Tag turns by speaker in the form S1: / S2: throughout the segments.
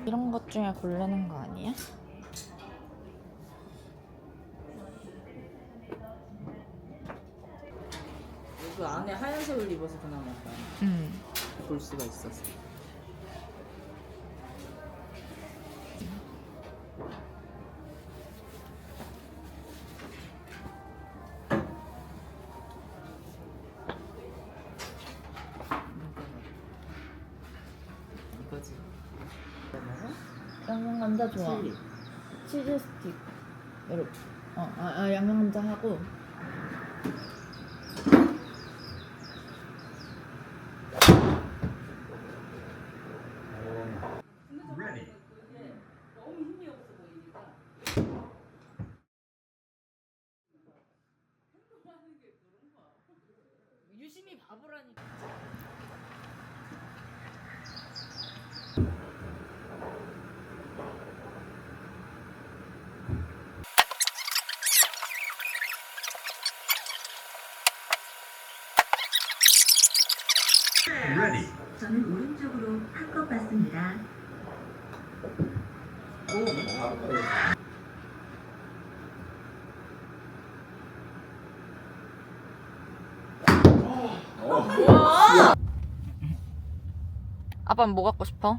S1: 이런 것 중에 고르는 거 아니야?
S2: 그 안에 하얀색을 입어서 그나마 볼 수가 있었어. 이거지.
S1: 양념 감자 좋아. 치즈 스틱. 이렇게. 양념 감자 하고.
S2: 유심히 바보라니까.
S3: 저는 오른쪽으로 한 것 같습니다.
S1: 아빠는 뭐 갖고 싶어?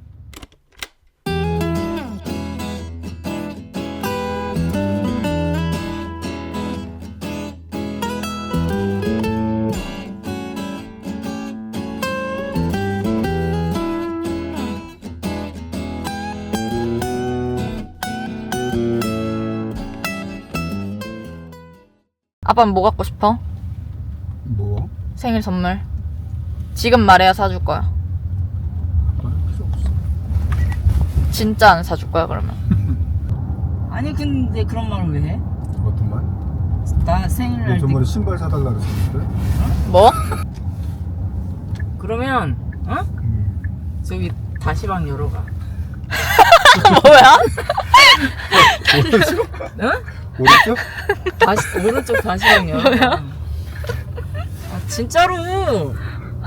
S1: 아빠는 뭐 갖고 싶어?
S4: 뭐?
S1: 생일 선물. 지금 말해야 사줄 거야.
S4: 필요 없어.
S1: 진짜 안 사줄 거야 그러면?
S2: 아니 근데 그런 말을 왜 해?
S4: 어떤 말?
S2: 나 생일날
S4: 너 저번에 신발 사달라 그랬었는데?
S1: 뭐?
S2: 그러면 저기 다시방 열어가.
S1: 뭐야?
S4: 오른쪽?
S2: 응?
S4: 오른쪽?
S2: 오른쪽 다시방 열어.
S1: 뭐야?
S2: 아 진짜로.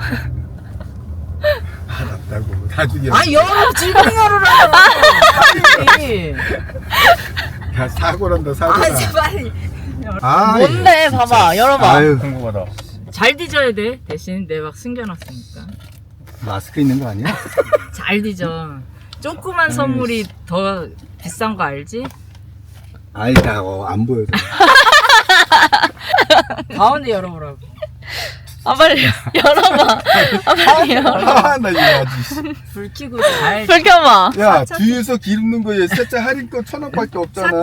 S4: 알았다고. 나중에.
S2: 아 열어 지금 열어라. 빨리.
S4: 야 사고란다
S2: 아
S4: 사고라.
S2: 빨리.
S4: 아,
S1: 뭔데? 봐봐. 열어봐.
S4: 아유 궁금하다.
S2: 잘 뒤져야 돼. 대신 내 막 숨겨놨으니까.
S4: 마스크 있는 거 아니야?
S2: 잘 뒤져. 조그만 선물이 더 비싼 거 알지?
S4: 알다고 안 보여줘.
S2: 가운데 열어보라고.
S1: 아 빨리 열어봐. 아 빨리 열어.
S4: 아나 이거 아주.
S2: 불 켜고 잘.
S1: 불 켜봐.
S4: 야 뒤에서 기름는 거에 세차 할인 거 1,000원밖에 없잖아.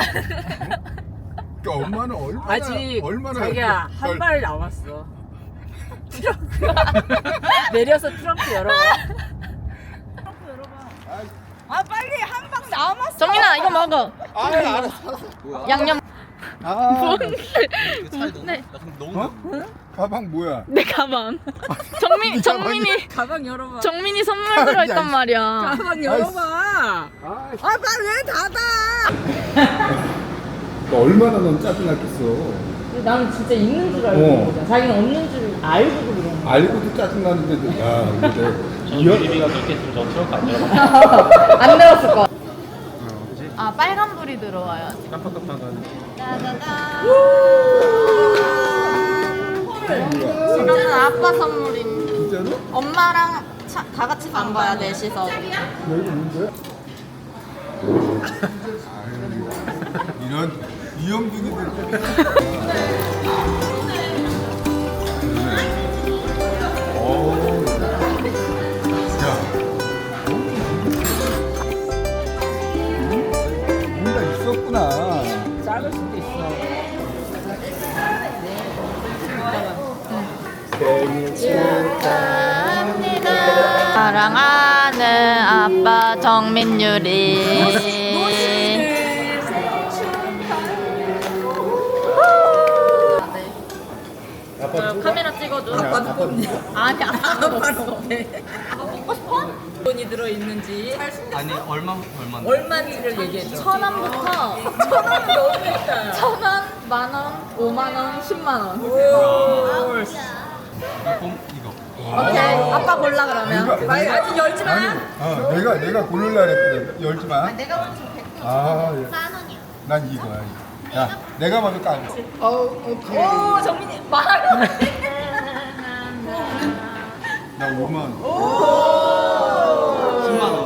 S4: 그러니까 엄마는 얼마나
S2: 아직
S4: 얼마나
S2: 자기야
S4: 걸-
S2: 한 발 남았어. 트렁크 내려서 트렁크 열어봐. 트렁크 열어봐. 아 빨리 한 방 남았어.
S1: 정민아 이거 먹어.
S4: 아 알았어.
S1: 양념.
S4: 아
S1: 네.
S4: 어? 가방 뭐야?
S1: 내 가방. 정민이
S2: 가방 열어봐.
S1: 정민이 선물 들어있단
S4: 아니.
S1: 말이야.
S2: 가방 열어봐.
S4: 아,
S2: 아 빨리 왜 닫아?
S4: 너 얼마나 넌 짜증났겠어.
S2: 나는 진짜 있는 줄 알고 그런 거잖아. 자기는 없는 줄 알고도 그런 거.
S4: 알고도 짜증나는데 야 근데
S5: 유리비가 그렇게 있으면 저 트렁크 안 열어봐.
S1: 안 들었을 거. 아 빨간 불이 들어와야지.
S5: 깜빡깜빡하는.
S1: 짜자잔. 이거는 아빠 선물임.
S4: 진짜로?
S1: 엄마랑 다 같이 간 거야 넷이서.
S4: 야 이거 뭔데? 이런 이형준이들 뭔가 있었구나.
S2: 작을 수도 있어.
S4: 생일
S1: 축하합니다. 사랑하는 아빠 정민유리. 카메라 찍어줘.
S2: 아빠도 뽑냐?
S1: 아니 아빠도
S2: 아빠도 네.
S1: 먹고 싶어?
S2: 돈이 들어 있는지
S5: 아니 얼마?
S2: 얼마인지를 얘기해 줘.
S1: 1,000원부터
S2: 1,000원이 너무 있다.
S1: 1,000원, 10,000원, 5만원, 10만원.
S2: 오.
S5: 이거.
S2: 오케이. 아빠 골라 그러면. 아직 열지 마.
S4: 내가 고를라 그랬거든. 열지 마.
S1: 내가 먼저 100개
S4: 아, 예.
S1: 4원이야.
S4: 난 이거야. 이거. 야, 내가 먼저 까.
S2: 오 정민이 말.
S4: 나 5만 원.
S5: 10만 원.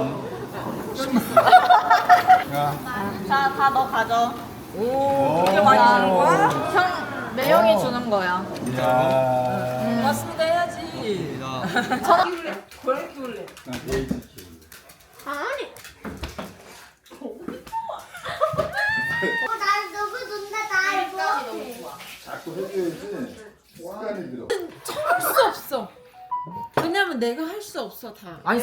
S4: 야.
S2: 자, 다 너 가져.
S4: 오.
S2: 이게 많이 주는 거야?
S1: 형 매형이 주는 거야.
S4: 이야.
S2: 고맙습니다 해야지. 고양이 키울래.
S4: 나 데이지 키울래.
S1: 아니.
S6: 나 너무 좋다. 나 이거.
S4: 자꾸 해줘야지. 습관이 들어.
S1: 할 수 없어. 왜냐면 내가 할 수 없어 다.
S2: 아니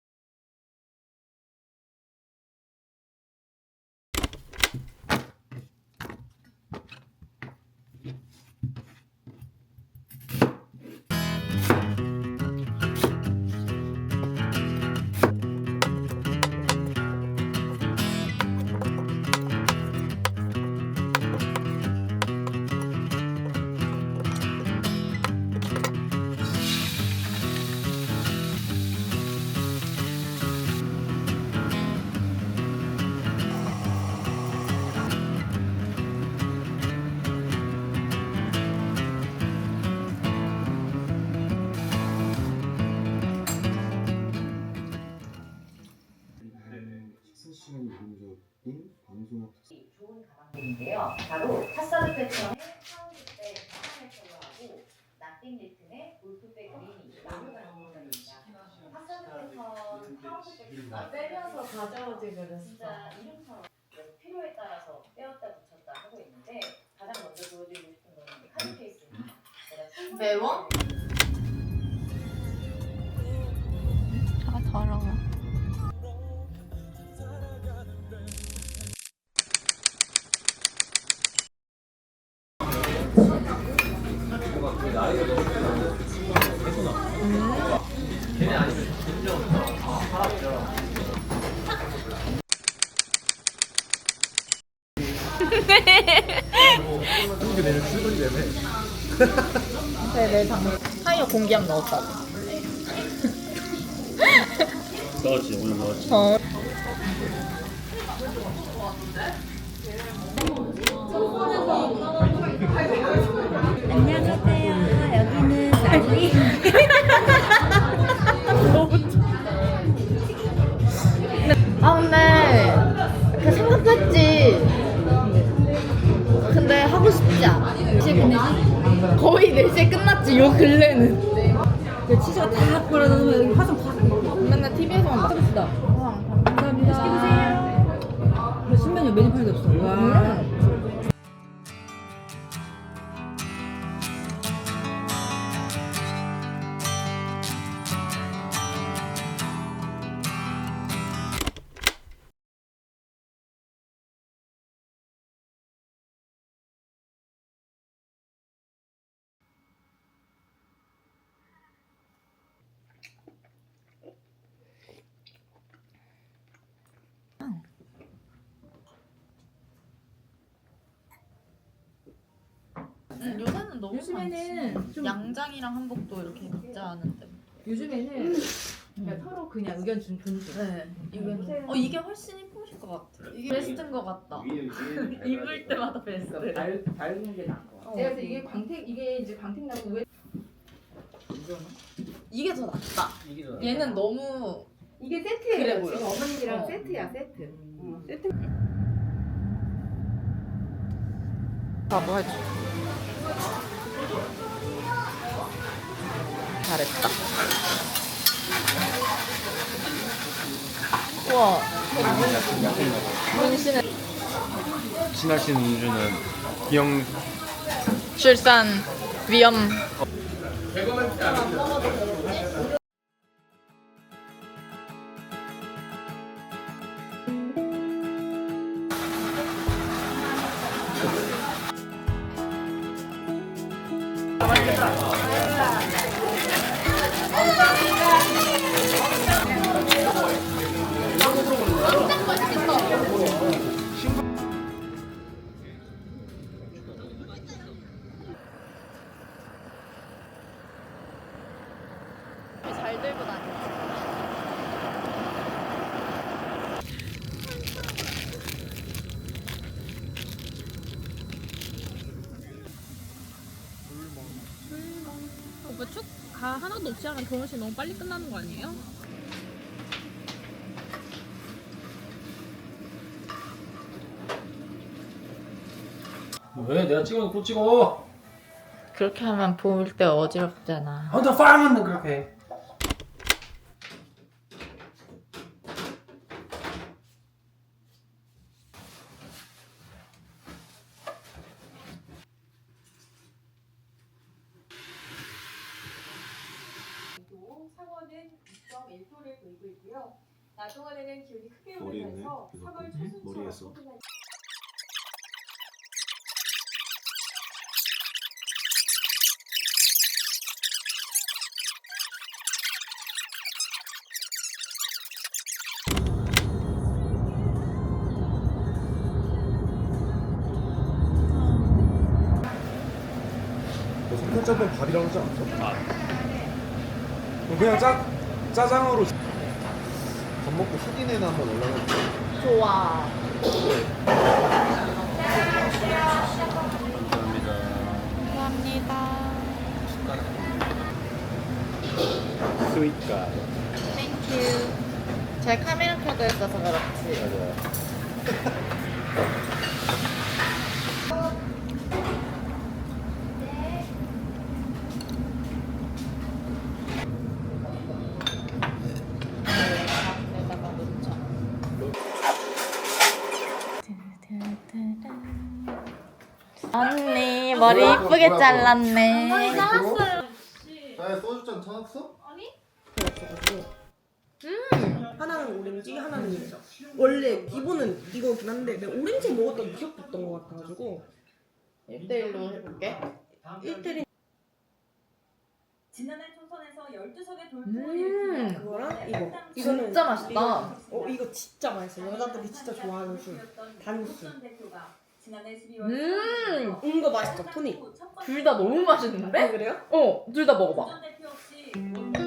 S7: 인데요. 바로 파사드 패턴의 파운드백 파운드 컬러하고 나띵 리튼의 골프백 그린이 나무가 있습니다. 파사드 패턴 파운드백
S1: 빼면서 가져오지 그랬어.
S7: 진짜 이름처럼 필요에 따라서 빼었다 붙였다 하고 있는데 가장 먼저 보여드리고 싶은 거는 카드 케이스입니다.
S1: 매워?
S2: 아 더러워.
S1: 내 장면. 타이어 공기압 넣었다고.
S5: 넣었지, 오늘 넣었지.
S1: 어.
S6: 안녕하세요. 여기는 나리.
S1: 아 근데 그 생각도 했지. 근데 하고 싶지 않아. 4시에 끝내지? 거의 4시에 끝났지 요 근래는.
S2: 치즈가 다 뿌려놓으면 여기 화장 다.
S1: 맨날 TV에서만 봐.
S2: 맛있다. 감사합니다. 맛있게 드세요. 근데 신메뉴 메뉴판에도 없어. 와.
S1: 요새는 너무
S2: 요즘에는
S1: 많지.
S2: 좀-
S1: 양장이랑 한복도 이렇게 입자 하는데.
S2: 요즘에는 그냥 서로 그냥 의견 존중.
S1: 네. 이게 훨씬 이쁘실 것 같아. 이게 베스트인 것 같다. 입을 때마다 베스트.
S2: 밝은 게 나은 거 같아. 제가 그래서 이게 광택 이게 이제 광택 나고 왜
S1: 이게 더 낫다. 얘는 너무
S2: 이게 세트예요.
S1: 그래 보여.
S2: 지금 어머님이랑
S1: 어.
S2: 세트야 세트. 세트.
S1: 바보 해줘. 잘했다. 우와. 문신은
S5: 친하신 은주는 기영
S1: 출산 위험. 잘 들고 다니지.
S8: 오빠 축가 하나도 없이 하면 결혼식 너무 빨리 끝나는 거 아니에요?
S5: 왜? 내가 찍어도 또 찍어.
S1: 그렇게 하면 볼 때 어지럽잖아.
S5: 혼자 빵! 그렇게 해.
S7: 상어는 2.1도를 보이고 있고요. 낮 동안에는 기온이 크게 오르면서 3월 초순치와 포근한
S4: 너 삼겹살은 밥이라고 하지 않았어? 그럼 그냥 짜장으로 밥 먹고 사진에나 한번 올라갈게.
S1: 좋아.
S5: 감사합니다.
S1: 감사합니다.
S5: 스윗가.
S1: 땡큐. 제 카메라 켜져 있어서 그렇지.
S5: 맞아.
S1: 여기다가 놓자. 언니 머리 이쁘게 잘랐네.
S4: 나 소주잔 타놨어?
S9: 하나는 오렌지, 하나는 이거. 원래 기본은 이거긴 한데 내가 오렌지 먹었던 기억도 있던 것 같아가지고
S1: 1대1로 해볼게.
S9: 1대1
S7: 지난해 총선에서 12석의 돌풍을
S9: 그거랑 이거. 이거는
S1: 진짜 맛있다.
S9: 이거 진짜 맛있어. 여자들이 진짜 좋아하는 술. 단술.
S7: 지난해 12월
S9: 이거 맛있어. 토닉.
S1: 둘 다 너무 맛있는데?
S9: 그래요?
S1: 둘 다 먹어봐.
S7: 대표 없이